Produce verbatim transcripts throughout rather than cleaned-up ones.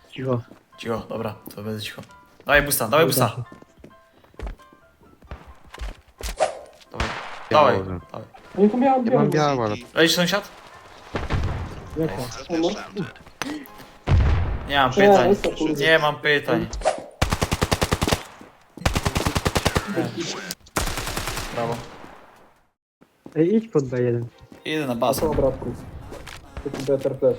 Cicho. Cicho, dobra, to będę cicho. Dawaj busta, dawaj busta. Dawaj, dawaj, Białe. dawaj. No i to miałem Ja mam białą. białe, ale Lecisz sąsiad? Jaka? O, no. Nie mam Nie, pytań. jest to kurde. Nie mam pytań. Brawo. Ej, idź pod B jeden. Idę na A basen. co, bratku? Taki better flash.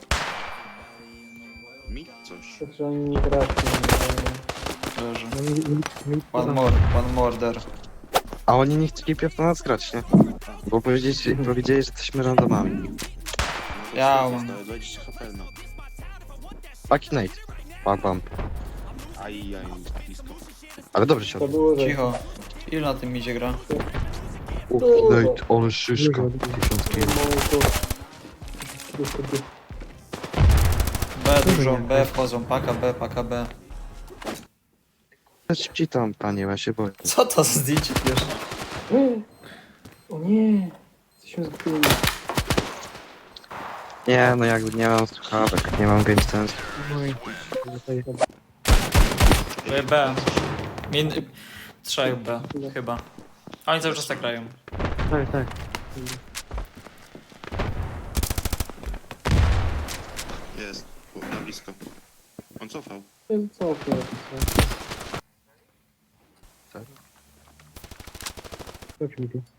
Mi coś. Tak, że oni nie grać. Leży. No, mi, mi, mi, One more, one murder. A oni nie chcieli pierw na nas grać, nie? Bo powiedzieli, powiedzieli, że jesteśmy randomami. Ja mam. dwadzieścia H P, no. Fucking Nate. Bam, bam. Aj, aj, blisko. Ale dobrze się To odbyło. było, że... Cicho. Ilu na tym idzie gra? Uch, Nate, ale szyszka. Tysiąc kilo. B dużo, B wchodzą, paka B, paka B. Szybciej tam, panie, ja się boję. Co to za zdjęcie pierwsze? O nie! Jesteśmy zgubieni. Nie, no jakby nie mam słuchawek, nie mam game sense. B, B. Min... Trzech B, chyba. A oni cały czas tak grają. Tak, tak. Jest. U, na blisko. On cofał. Co? Chodź mi tu.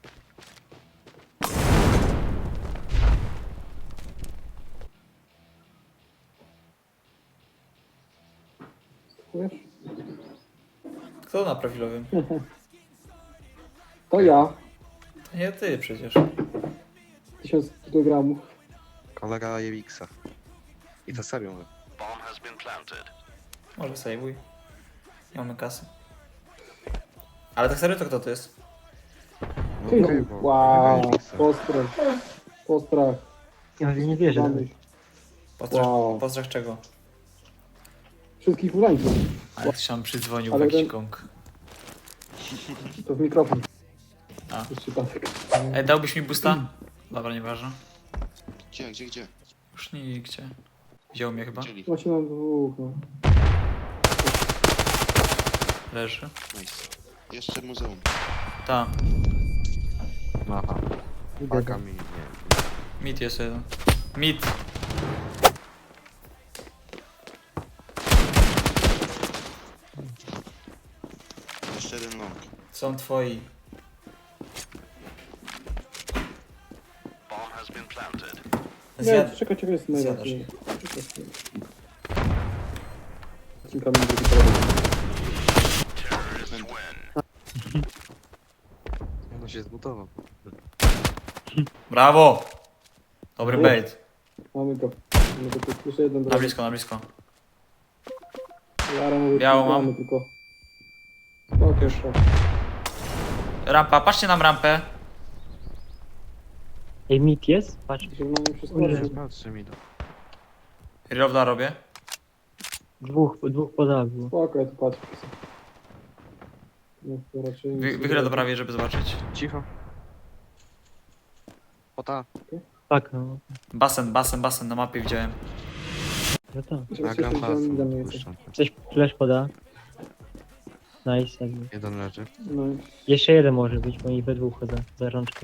Wiesz? Kto na profilowym? To ja. To nie ty przecież. Tysiąc kilogramów. Kolega Jewixa. I to serio mówię. Może sejwuj. Nie mamy kasy. Ale tak serio to kto to jest? No Ty, okej, bo wow. Jewixa. Postrach. Postrach. Ja nie wierzę. Mamy. Postrach, Wow. postrach czego? Wszystkich ulańców. Ale ktoś tam przydzwonił w Ale jakiś ten- gong. To w mikrofon. A. Jest przypadek. Ej, dałbyś mi busta? Dobra, nieważne. Gdzie, gdzie, gdzie? Już nigdzie. Wziął mnie chyba. Chcieli. Właśnie nam dwóch, no. Leży. Nice. Jeszcze muzeum. Ta. Aha. Idę. Paka mi, nie. Mid jest jeden. Mid. Jeszcze jeden long. Są twoi. Nie, Zjad... czekaj, czekaj, jest Zjadasz najlepiej. Kilka minut drugi teledysk. No się zbudował. Brawo! Dobry O. bait. Mamy go. Mamy go tu. Jeszcze jeden Na drugi. blisko, na blisko. Jara mówię, Białą mamy mam. tylko. O, Już. już. Rampa, patrzcie nam rampę. Ej, mit jest? Patrz. Żeby nam nie wszystko Ujej. robił. Patrzy mi do... Reloada robię. Dwóch, dwóch poda było. Spoko, ja tu patrzę. No, to raczej nic Wy, nie wychylę do robi. prawej, żeby zobaczyć. Cicho. Ota. Tak, no. Basen, basen, basen na mapie widziałem. No to. Żeby Nagram coś pas. tam za mnie Puszczam. Coś flash poda. Nice, jakby. Jeden leży. No, Jeszcze jeden może być, bo oni we dwóch chodzą za rączkę.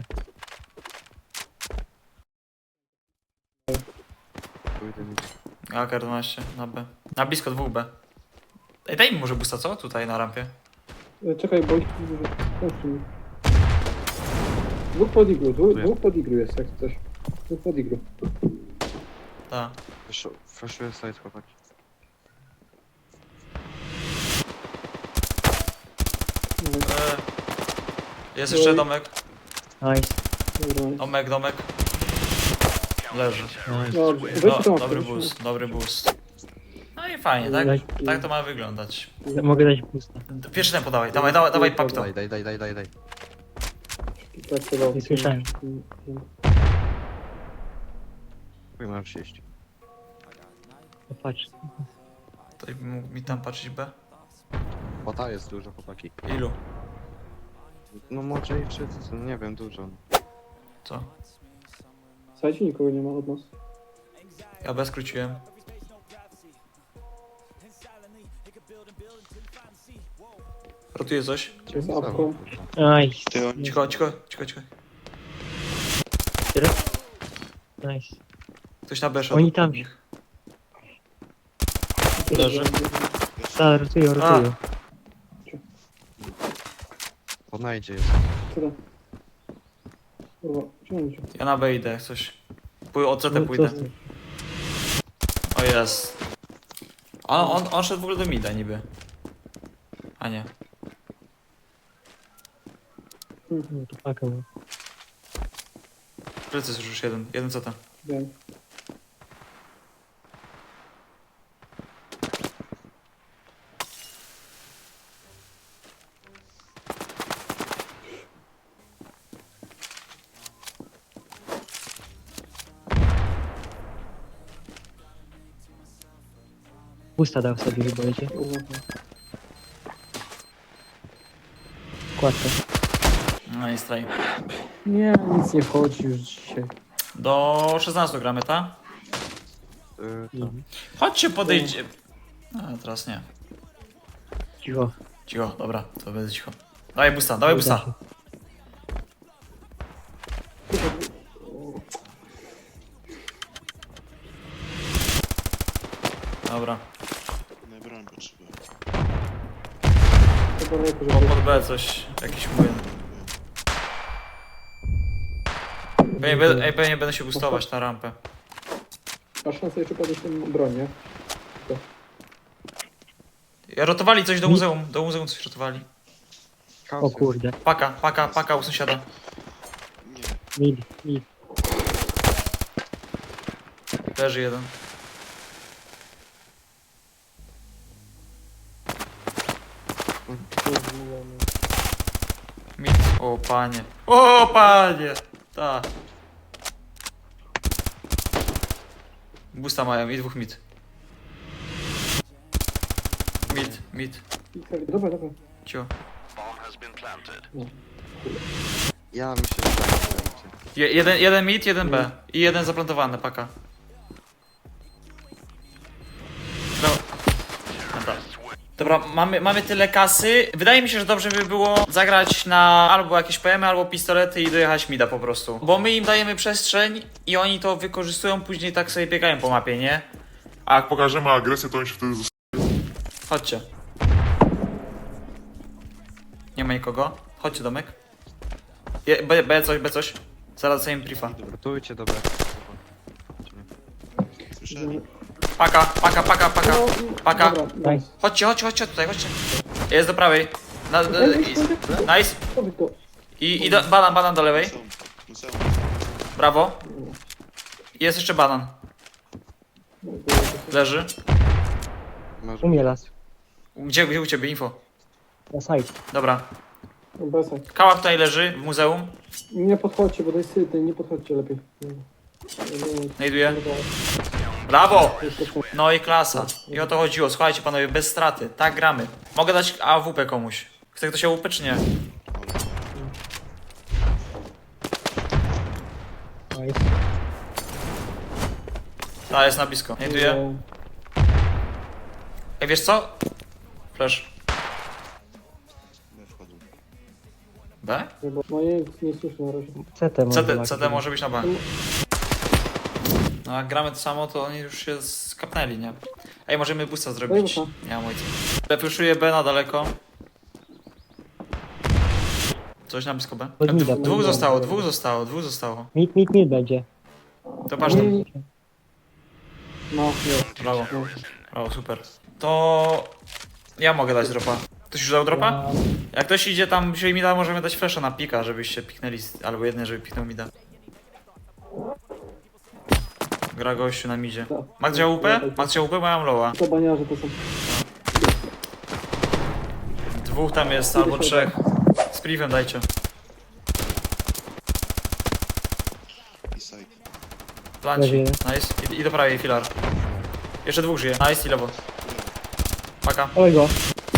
Pójdę mi. A K dwanaście na B. Na blisko dwóch B. Ej, daj mi może busta, co? Tutaj na rampie. E, czekaj, bo... Kończy mi. Dwóch pod iglu, dwóch, Tu dwóch pod iglu jest, jak coś. Dwóch pod iglu. Tak. Flashuję side, chłopaki. No, E, jest jeszcze domek. Nice, dobra. Domek, domek. Leży. nice. Dobrze, No, weź to. dobry boost, dobry boost. No i fajnie, tak? Tak to ma wyglądać. Mogę dać boosta. Pierwszy tempo dawaj, dawaj, dawaj, dawaj, pak to. Daj, daj, daj, daj, daj, daj. Tak, to dobrze. Nie słyszałem. Chuj, mam sześć. No patrz. To mógł mi tam patrzeć B? Ota jest dużo, chłopaki. Ilu? No może i wszyscy, no nie wiem, dużo. Co? Słuchajcie, nikogo nie ma od nas. Ja B skróciłem. Rotuje coś. Jest apką. Nice. Ty oni Cicho, cicho, cicho, cicho. Nice. Ktoś na besza. Oni tam. Leży. Tak, rotują, rotują. Podnajdzie jest. Tyle. Kurwa, ciągnijcie. Ja na B idę, jak coś. Pój od C T No pójdę. to- O jest. On, on, on szedł w ogóle do mida niby. A nie. No to paka, no. Plecy jest już jeden. Jeden C T. Wiem. Pusta dał sobie chyba, idzie. Uwaga. Kładkę. No i straj. Nie, nic nie wchodzi już dzisiaj. Do szesnastu gramy, tak? Yy, Mhm. Chodźcie, podejdźcie. A, teraz nie. Cicho. Cicho, dobra, to będę cicho. Dawaj busta, dawaj Uda busta. się. Dobra. na broń potrzebują. Chyba nie Po, żeby... pod B coś, jakiś młyn. Pewnie, będę- ej, pewnie będę się bustować na rampę. Masz szansę jeszcze podnieść tę broń, nie? Ja rotowali coś do muzeum, do muzeum coś rotowali. O kurde. Paka, paka, paka u sąsiada. Nie, Mid, mid. Leży jeden. Mit. O panie. O panie! Ta. Busta mają i dwóch mit. Mit, mit. Dobra, dobra. Cio. Ja mi się wydaje, że Je, jeden, jeden mit, jeden B. I jeden zaplantowany, paka. No. Dobra. Dobra, mamy, mamy tyle kasy. Wydaje mi się, że dobrze by było zagrać na albo jakieś P M y, albo pistolety i dojechać mida po prostu. Bo my im dajemy przestrzeń i oni to wykorzystują, później tak sobie biegają po mapie, nie? A Jak pokażemy agresję, to oni się wtedy zos- chodźcie. Nie ma nikogo. Chodźcie, domek. Je, B, B coś, B coś. Zaraz sobie im briefa. Gotujcie, dobra. słyszeli? Paka, paka, paka, paka. Paka. Dobra, nice. Chodźcie, chodźcie, chodźcie tutaj, chodźcie. Jest do prawej. Na, na, i- nice. Powiedz to. I, i do, banan, banan do lewej. Muzeum, muzeum. Brawo. Jest jeszcze banan. Leży. Może... Umie las. Gdzie, gdzie u ciebie info? Na side. Dobra. Besaj. Kała tutaj leży w muzeum. Nie podchodźcie, bo to jest syty, nie podchodźcie lepiej. Nie. Nie, nie, Znajduję. nie, Brawo! nie, nie, nie. No i klasa. I o to chodziło. Słuchajcie panowie, bez straty. Tak gramy. Mogę dać A W P komuś. Chce ktoś A W P czy nie? Nice. Ta jest na blisko. Znajduję. Ej, wiesz co? Flash. Nie wchodzą. B? Nie, bo- No nie, nie słyszę na razie. C T może. C T, laki. C T może być na B. No jak gramy to samo, to oni już się skapnęli, nie? Ej, możemy boosta zrobić. Daj Nie mam ojca. Refreszuję B na daleko. Coś na blisko B. Pod mida, Dw- pod dwóch mida. zostało, dwóch zostało, dwóch zostało. Mid, mid, mid będzie. To patrz, Nie, nie, nie. No, jest. brawo. Brawo, super. To... Ja mogę dać dropa. Ktoś już dał dropa? Ja- Jak ktoś idzie tam, wzięli mida, możemy dać flasha na pika, żebyście piknęli, albo jedne, żeby piknął mida. Gra gościu na midzie. Ma ktoś A W P? Ma ktoś A W P? Bo ja mam lowa. To baniarze to są. Dwóch tam jest, albo trzech. Z privem dajcie. I side. Planci. Leży. Nice. I, I do prawej filar. Jeszcze dwóch żyje. Nice i lewo. Paka. Oj go.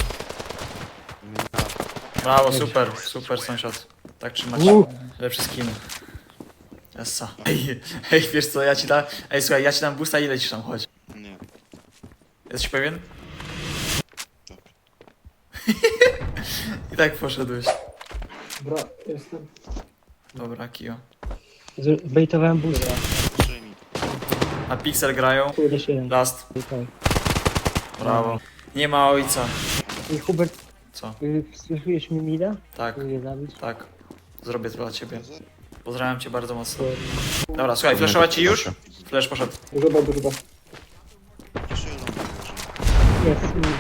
Brawo, super, super sąsiad. Tak trzymać. Uh. Lepszy skin. Essa. Ej, ej, wiesz co, ja ci dam... Ej, słuchaj, ja ci dam boosta, ile ci tam chodzi? Nie. Jesteś pewien? Tak. I tak poszedłeś. Dobra, jestem. Dobra, Kio. Zbejtowałem buza. Trzy mi. A Pixel grają. Tu jeszcze jeden. Last. Tutaj. Brawo. Nie ma ojca. I Hubert, Co? y, słyszujesz mi mida? Tak, Chcę je zabić. tak. Zrobię to dla ciebie. Za- Pozdrawiam cię bardzo mocno. Dobra, słuchaj, flashować ci już? Flash poszedł. Dużo, dużo. Proszę, lądem leży. Jest. y,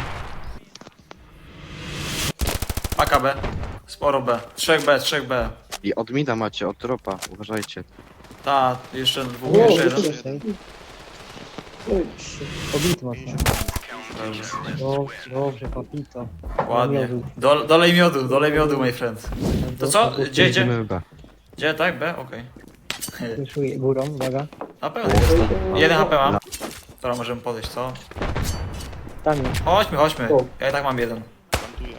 Paka B. Sporo B. trzech B, trzech B. I od mida macie, od dropa, uważajcie. Ta, jeszcze dwóch, O, jeszcze jeszcze jeden. Tutaj. Ej, Pobity mocno. Dobrze. Do, dobrze, pobito. Ładnie. Dol, dolej miodu, dolej miodu, my friend. To co? Gdzie, gdzie? Idziemy B. Gdzie, tak? B? Okej. Słyszuję górą, uwaga. Na pewno jest. ej, Jeden H P mam. No. Dobra, możemy podejść, co? Tam jest. Chodźmy, chodźmy. O. Ja i tak mam jeden. Plantuję.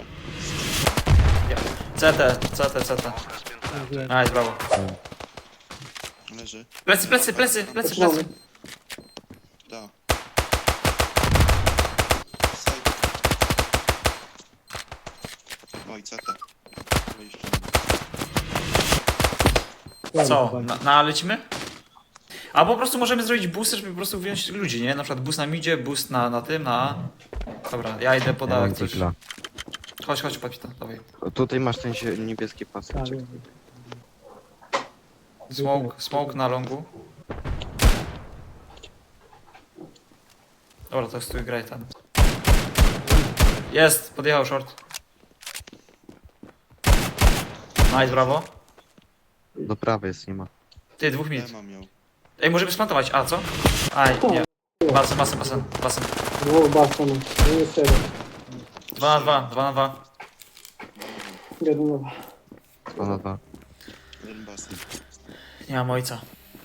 C T, C T, C T. Mówiłem. Nice, brawo. Leży. Plecy, plecy, plecy, plecy, Zaczynamy. plecy. Da. Side. Oj, C T. Wejście. Co? Na, na lecimy? A po prostu możemy zrobić boosty, żeby po prostu wziąć ludzi, nie? Na przykład boost na midzie, boost na, na tym, na... Dobra, ja idę Ja podać mam coś. digla. Chodź, chodź, papita, dawaj. Tutaj masz ten się- niebieski Tak, paseczek. Smoke, smoke na longu. Dobra, to stój, graj tam. Jest, podjechał short. Nice, brawo. Do prawej jest, nie ma. Ty, dwóch mid. D mam ją. Ej, możemy splantować, a co? Aj, nie. Basen, basen, basen, basen. No, basta, no. Nie jest serio. Dwa na dwa, dwa na dwa. Jeden, no. Dwa na dwa. Jeden basen. Nie mam ojca.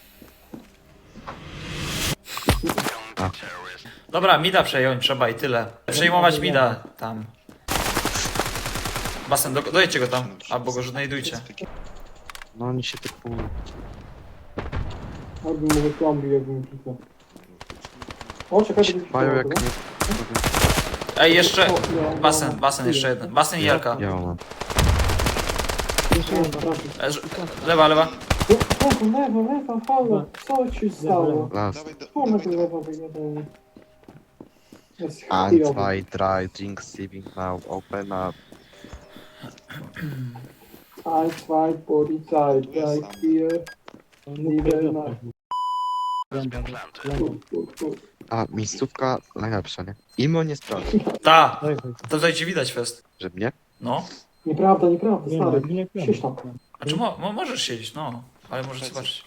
A. Dobra, mida przejąć trzeba i tyle. Przejmować mida tam. Basen, do, dojedźcie go tam, albo go znajdujcie. No oni się typują. Albo mówię plombi, jakbym kliknął. O, czekaj, żeby Mają jak nie... Ej, jeszcze... O, no, Basen, no. basen jeszcze jeden. Basen i Jarka. Ja mam. Jeszcze jeden. E, ż- Lewa, lewa. Lewo, lewo, lewo, halo. Co ci stało? Last. Dawaj, da, Tu na dawaj, to dawaj. lewo wygadanie. Jest Eins, chujowy. zwei, drei, drink, siebing now, open up. Ein, zwei, Polizei, drei, vier. Nivel na... Tu, tu, tu. A, miejscówka najlepsza, nie? Imo nie sprawdzi. Ta! Daj, To tutaj ci widać fest. Że mnie? No. Nieprawda, nieprawda, Nie, stary. nie, nie, Siedź tam. A czy mo mo możesz siedzieć, no. Ale możesz zobaczyć.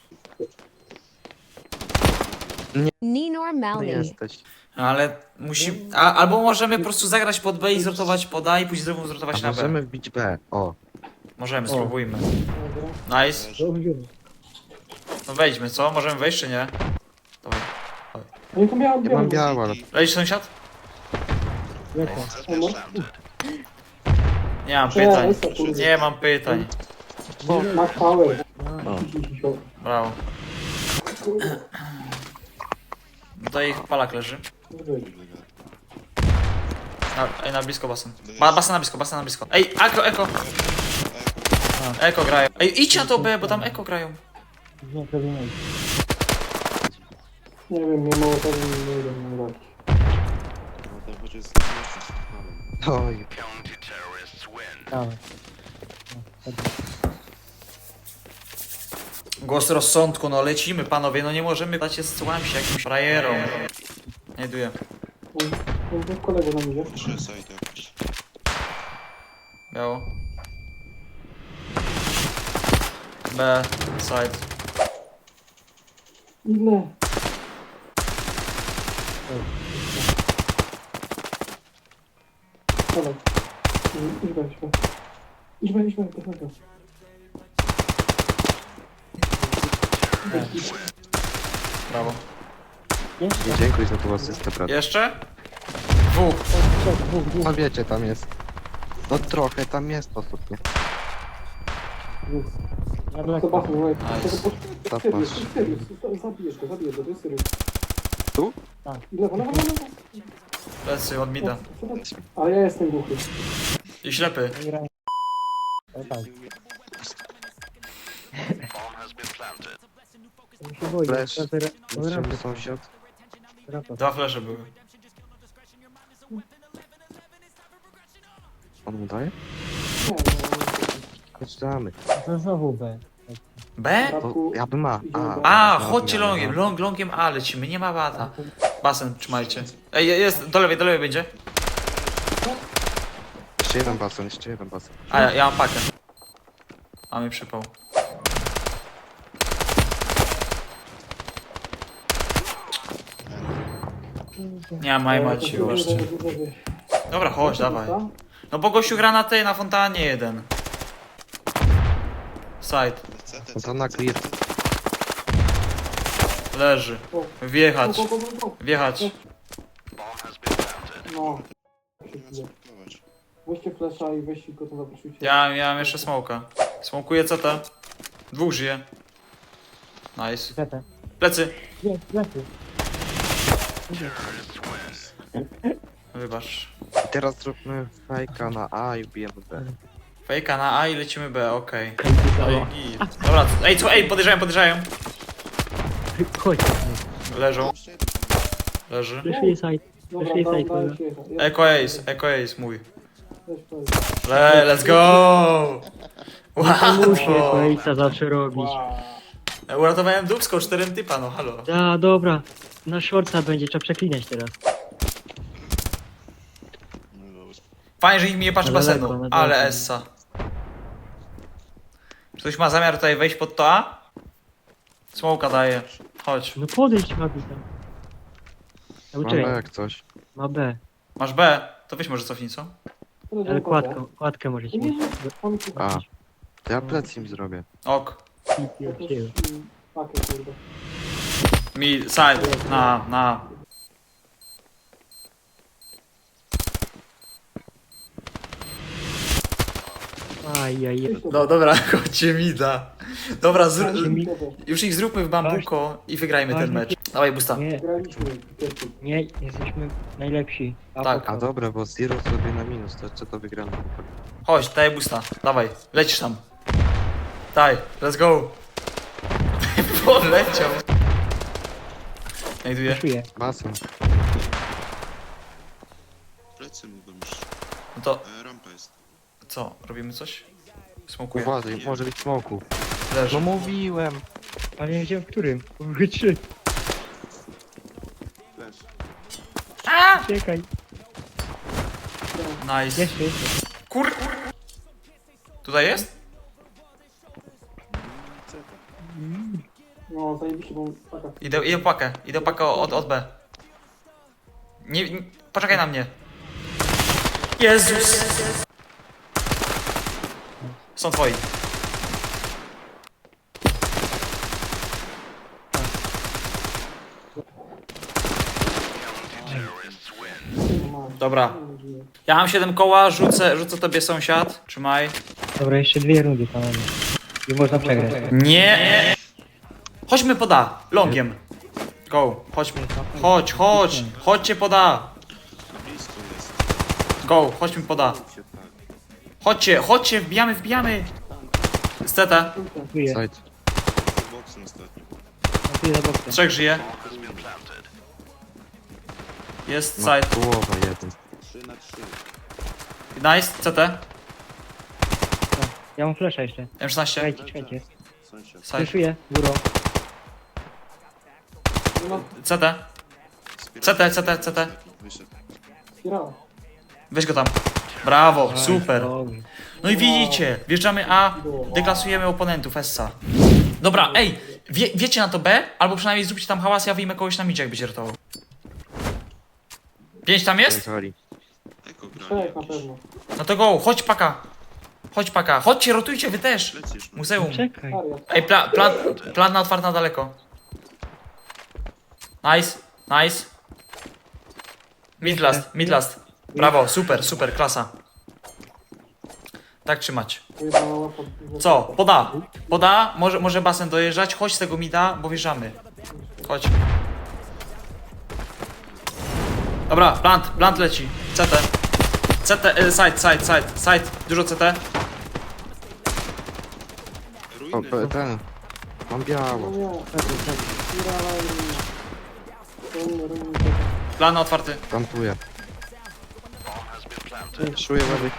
Ninor No Malney. jesteś. Ale musi... A, albo możemy po prostu zagrać pod B i zrotować pod A i później znowu zrotować A na B. możemy wbić B. O. Możemy, O. spróbujmy. Dobra. Nice. Dobrze. No wejdźmy, co? Możemy wejść czy nie? Dawaj. No i to miałem Ja mam białą. białe, ale... Lecisz sąsiad? Lecę. O, Nie mam Cześć, pytań. co, kurde. Nie mam pytań. no. Max Power. No. Brawo. Tutaj ich palak leży. Na, ej, na blisko basen. Ba, basen na blisko, basen na blisko. Ej, eko, eko. Eko grają. Ej, idź na to B, bo tam eko grają. Nie, to nie. Nie wiem, nie mało tego nie wiem, nie wiem. No to chodzi z jeszcze. Oj. Dawaj. Głos rozsądku, no lecimy panowie, no nie możemy dać się słam się jakimś frajerom. Znajduję. No, to kolega nam idzie. Trzy side jakoś. Biało. B, side. Ile? Dawaj. Idź weź, weź. Idź weź, idź weź, idź weź. Brawo. Nie dziękuję za tą asystę, brat. Jeszcze? Dwóch. Trzech, dwóch, dwóch, No wiecie, tam jest. No trochę tam jest osób, nie? dwóch. Na To daleko. bachnie, no. Nice. To Sirius, to Sirius. Zabijesz go, zabijesz go, to jest Sirius. Tu? Tak. I lewo, lewo, lewo. Plecy od mida. Ale ja jestem głuchy. I ślepy. Graj. tak. Ja się boję. Flash. Teraz ra- Potrzebny rampę, sąsiad. rampę. Dwa flesze były. On mu daje? Nie, no, Chodź damy. To znowu B. B? To ja bym ma. A, dobra, chodźcie dobra. longiem, long, longiem A lecimy, nie ma bata. Basen, trzymajcie. Ej, jest, do lewej, do lewej będzie. Jeszcze jeden basen, jeszcze jeden basen. A, ja, ja mam pakę. Mamy przypał. Nie ma no, macie właśnie. Dobra, chodź, dawaj. No bo gościu gra na tej, na fontannie jeden. Side, C T, No to na clear. leży. Wjechać, Go, go, go, go. wjechać. No. Spróbować. Weźcie flesza i weźcie go to zapraszujcie. Ja, ja mam jeszcze smoka. Smokuję C T. Dwóch żyje. Nice. Zeta. Plecy. Nie, lepiej. Wybacz. I teraz zróbmy fajka na A i wbijemy B. Fejka na A i lecimy B, okej. Hej, Okay. Dobra, ej, co, ej, podejrzają, podejrzają. chodź. Leżą. Leży. Fleszuję side. Dobra, Fleszuję dam, side, dam dobra. się jechać. Eco Ace, Eco Ace, mój. Weź, weź. Le, let's go! Muszę Wow! Face'a zawsze robić. Wow. Uratowałem dupską czterem typa, no halo. A, dobra. Na shortsa będzie, trzeba przeklinać teraz. No dobra. Fajnie, że nikt mi nie patrzy Na daleko, basenu, na daleko. ale essa. Czy ktoś ma zamiar tutaj wejść pod to A? Smoka daje. Chodź. No podejdź, Mati tam. A Ma B uczekaj, jak coś. ma B. Masz B? To weź może cofnij, co? Ale kładkę, kładkę możecie Nie, mieć. nie, mam tu A. To ja plec im zrobię. Ok. jakąś mm, pakę, kurde. Mi, side, na, na. Ajajaj. No dobra, chodźcie mi da. Dobra, zr... mi- już ich zróbmy w bambuko i wygrajmy ten mecz. Dawaj busta. Nie, Graliśmy, Piotr. nie, jesteśmy najlepsi. A Tak. po- A dobra, bo Zero sobie na minus, to jeszcze to wygramy. Chodź, daj busta. Dawaj, lecisz tam. Daj, let's go. Poleciał. Znajduję. Fleszuję. Basen. Plecy mogą już. No to E, rampa jest. co, robimy coś? Smokuję. Uważaj, może być smoku. Leży. No mówiłem. Ale nie wiedziałem w którym. Mówię trzy. Flash. Czekaj. Nice. Jeszcze, jeszcze. Kur... Tutaj jest? C T. No, zajebiście, bo paka. Idę, idę pakę. Idę pakę od, od B. Nie, nie, poczekaj na mnie. Jezus! Są twoi. Dobra. Ja mam siedem koła, rzucę, rzucę tobie sąsiad. Trzymaj. Dobra, jeszcze dwie rundy panowie. I można przegrać. Nie! Chodźmy poda, longiem. Go, chodźmy. Chodź, chodź, chodźcie poda. Blisko jest. Go, chodźmy poda. Się tak. Chodźcie, chodźcie, wbijamy, wbijamy. Steta, Dziękuję. Side. Boksem ostatnio. Dziękuję za boksę. trzech żyje. Jest Ma side. połowa jeden. trzy na trzy. Nice, C T. Ja mam flasha jeszcze. M szesnaście. Czekajcie, czekajcie. Sąsiad. Side. Fleszuję. Góro. No, C T. C T, C T, C T. Wyszedł. spirala. Weź go tam. Brawo, super. Dobrze. No i widzicie, wjeżdżamy A, deklasujemy oponentów, Essa. Dobra, ej, wie, wiecie na to B? Albo przynajmniej zróbcie tam hałas, ja wyjmę kogoś na midzie, jak będzie ratował. Pięć tam jest? Pojechali. Eko gra. Trzech na pewno. No to go, chodź paka. Chodź paka, chodźcie, rotujcie wy też. Lecisz. No. Muzeum. Czekaj. Wariat. Ej, pla, plan, plan na otwarty na daleko. Nice, nice. Mid last, mid last. Brawo, super, super, klasa. Tak trzymać. Pojebana łapa. Co? Poda. Poda, może, może basen dojeżdżać. Chodź z tego mida, bo wjeżdżamy. Chodź. Dobra, plant, plant leci. C T. C T, e, side, side, side, side. Dużo C T. Po, po, ten. Mam No biało. nie. Plan otwarty. Plantuję. Szuję lewy.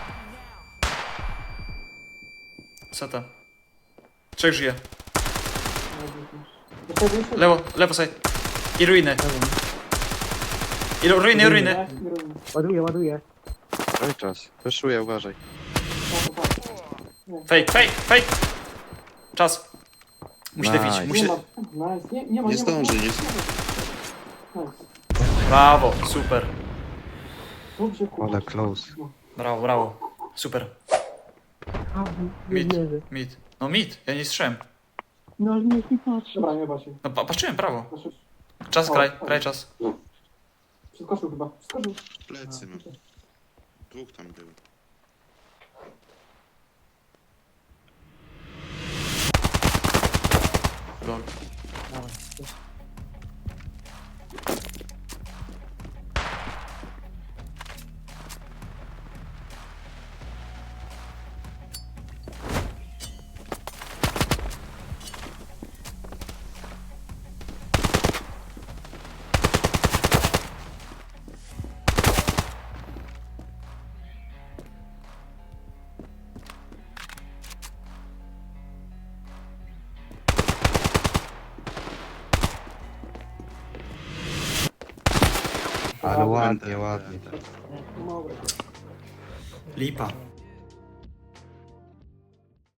Co to? Trzech żyje. Lewo, lewo side. I ruiny. I ru- ruiny, ruiny. Ładuję, ładuję. Daj czas. Wyszuję, uważaj. Fake, fake, fake. Czas. Musi Nice. defić, musi... Nie ma, nice. Nie, nie ma, Nie nie ma. zdąży, nie Nice. Brawo, super. Dobrze, kurwa. Ale close. Brawo, brawo. Super. A, nie Mid, wierzę. mid. No mid, ja nie strzem. No ale niech mi patrzy. Dobra, nie bać się. No pa patrzyłem, prawo. Proszę. Czas, O, kraj, o. kraj czas. Przeskoczył chyba. Przeskoczył. plecy, no. Dwóch tam było. Lol. Ale ładnie, ładnie. Mało. Lipa.